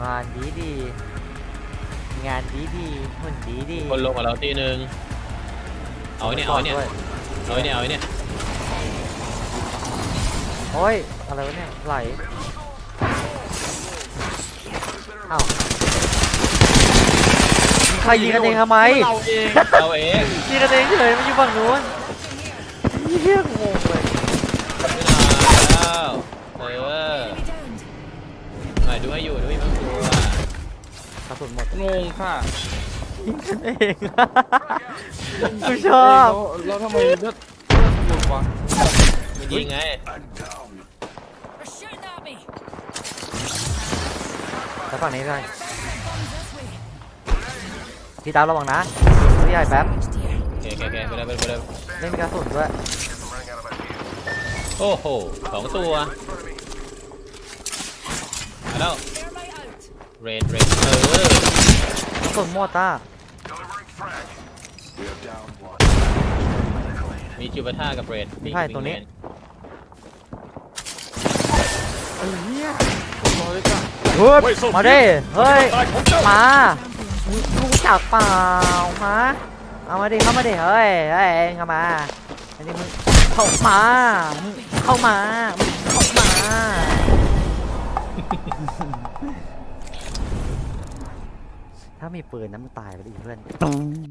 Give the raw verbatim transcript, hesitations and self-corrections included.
งานดีดีงานดีดีหุ่นดีดีคนลงกับเราตีหนึ่งเอาเนี่ยเอาเนี่ยเอาเนี่ยเอาเนี่ยโอ้ยอะไรวะเนี่ยไหลอ้าวใครยิงกันเองทำไมเราเองเราเองยิงกันเองเฉยมันอยู่ฝั่งนู้นเฮี้ยงงเลยแล้วเออหน่อยดูให้อยู่ดูให้มันตัวกระสุนหมดงงค่ะยิงกันเองกูชอบแล้วทำไมเลือดหมดวะไม่ยิงไงแล้วฝั่งนี้ด้วยพี่ตามระวังนะพี่ใหญ่แป๊บโอเคโอเคไปเลยไปเลยไปเลยเล่นกระสุนด้วยโอ้โหสองตัวมาแล้วเรดเรดเออกระสุนหมดอ่ะมีจิวบาท่ากับเรดใช่ตัวนี้ไอ้เหี้ยเฮ้ยมาดิเฮ้ยมารู้จักเปล่ามาเอามาดิเข้ามาดิเฮ้ยเฮ้ยเข้ามาอันนี้มึงเข้ามาเข้ามาเข้ามาถ้ามีปืนนั้นมันตายไปดิเพื่อน